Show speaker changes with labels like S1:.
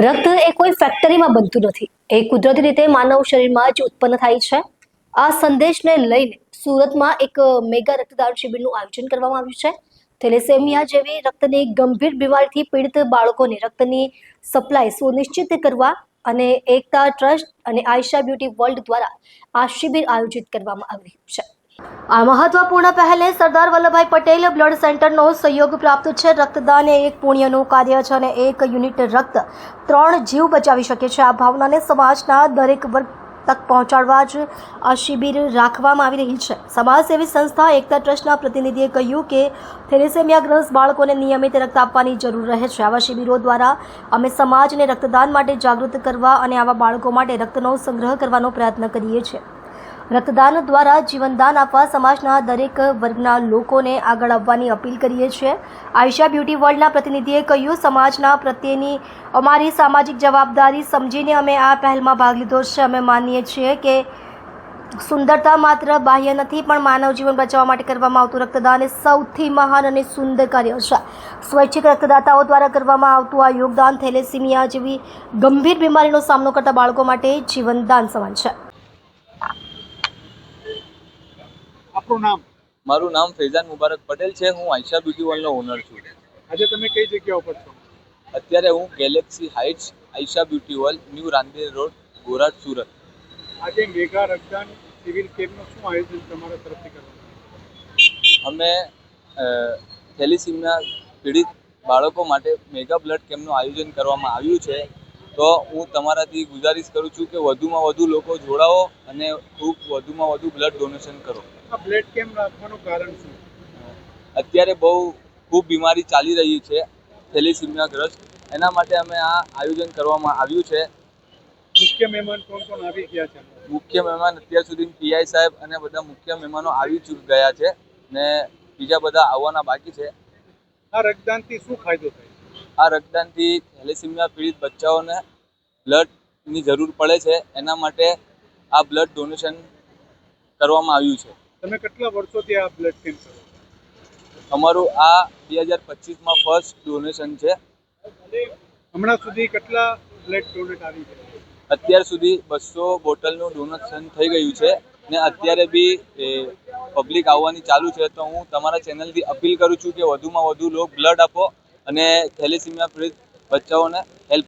S1: રક્ત એ કોઈ ફેક્ટરીમાં બનતું નથી, એ કુદરતી રીતે માનવ શરીરમાં જ ઉત્પન્ન થાય છે. આ સંદેશને લઈને સુરતમાં એક મેગા રક્તદાન શિબિરનું આયોજન કરવામાં આવ્યું છે. થેલેસેમિયા જેવી રક્તની ગંભીર બીમારીથી પીડિત બાળકોને રક્તની સપ્લાય સુનિશ્ચિત કરવા અને એકતા ટ્રસ્ટ અને આયશા બ્યુટી વર્લ્ડ દ્વારા આ શિબિર આયોજિત કરવામાં આવી છે. આ મહત્વપૂર્ણ પહેલે સરદાર વલ્લભભાઈ પટેલ બ્લડ સેન્ટરનો સહયોગ પ્રાપ્ત છે. રક્તદાન એ એક પુણ્યનું કાર્ય છે અને એક યુનિટ રક્ત 3 જીવ બચાવી શકે છે. આ ભાવનાને સમાજના દરેક વર્ગ તક પહોંચાડવા જ આ શિબિર રાખવામાં આવી રહી છે. સમાજસેવી સંસ્થા એકતા ટ્રસ્ટના પ્રતિનિધિએ કહ્યું કે થેલેસેમિયાગ્રસ્ત બાળકોને નિયમિત રક્ત આપવાની જરૂર રહે છે. આવા શિબિરો દ્વારા અમે સમાજને રક્તદાન માટે જાગૃત કરવા અને આવા બાળકો માટે રક્તનો સંગ્રહ કરવાનો પ્રયત્ન કરીએ છીએ. રક્તદાન દ્વારા જીવનદાન આપવા સમાજના દરેક વર્ગના લોકોને આગળ આવવાની અપીલ કરીએ છીએ. આયશા બ્યુટી વર્લ્ડના પ્રતિનિધિએ કહ્યું, સમાજના પ્રત્યેની અમારી સામાજિક જવાબદારી સમજીને અમે આ પહેલમાં ભાગ લીધો છે. અમે માનીએ છીએ કે સુંદરતા માત્ર બાહ્ય નથી, પણ માનવ જીવન બચાવવા માટે કરવામાં આવતું રક્તદાન એ સૌથી મહાન અને સુંદર કાર્ય છે. સ્વૈચ્છિક રક્તદાતાઓ દ્વારા કરવામાં આવતું આ યોગદાન થેલેસીમિયા જેવી ગંભીર બીમારીનો સામનો કરતા બાળકો માટે જીવનદાન સમાન છે.
S2: આપનું નામ?
S3: મારું નામ ફૈઝાન મુબારક પટેલ છે. હું આયશા બ્યુટી વર્લ્ડનો ઓનર છું.
S2: આજે તમે કઈ જગ્યા ઉપર છો?
S3: અત્યારે હું galaxy heights Ayesha beauty world, new Rander road, Gorat, Surat.
S2: આજે મેગા રક્તદાન શિબિર કેમ્પનું શું આયોજન તમારા તરફથી કરવામાં?
S3: અમે થેલેસીમિયા પીડિત બાળકો માટે મેગા બ્લડ કેમ્પનું આયોજન કરવામાં આવ્યું છે. તો હું તમારાથી ગુજારિશ કરું છું કે વધુમાં વધુ લોકો જોડાઓ અને ખૂબ વધુમાં વધુ બ્લડ ડોનેશન કરો.
S2: આ બ્લડ કેમ્પ રાખવાનું કારણ શું?
S3: અત્યારે ખૂબ બીમારી ચાલી રહી છે થેલેસીમિયાગ્રસ્ત, એના માટે અમે આ આયોજન કરવામાં આવ્યું છે.
S2: મુખ્ય મહેમાન કોણ કોણ આવી ગયા છે?
S3: મુખ્ય મહેમાન અત્યાર સુધી પીઆઈ સાહેબ અને બધા મુખ્ય મહેમાનો આવી ગયા છે ને બીજા બધા આવવાના બાકી છે.
S2: આ રક્તદાનથી શું ફાયદો થાય?
S3: આ રક્તદાનથી થેલેસીમિયા પીડિત બચ્ચાઓને બ્લડની જરૂર પડે છે, એના માટે આ બ્લડ ડોનેશન કરવામાં આવ્યું છે.
S2: તમે કેટલા વર્ષોથી આ બ્લડ કેમ્પ કરો?
S3: અમારું આ 2025માં ફર્સ્ટ ડોનેશન છે.
S2: હમણાં સુધી કેટલા બ્લડ ડોનેટ આવી છે?
S3: અત્યાર સુધી 200 બોટલનું ડોનેશન થઈ ગયું છે ને અત્યારે બી પબ્લિક આવવાની ચાલુ છે. તો હું તમારા ચેનલથી અપીલ કરું છું કે વધુમાં વધુ લોકો બ્લડ આપો અને થેલેસીમિયા પીડિત બચ્ચાઓને હેલ્પ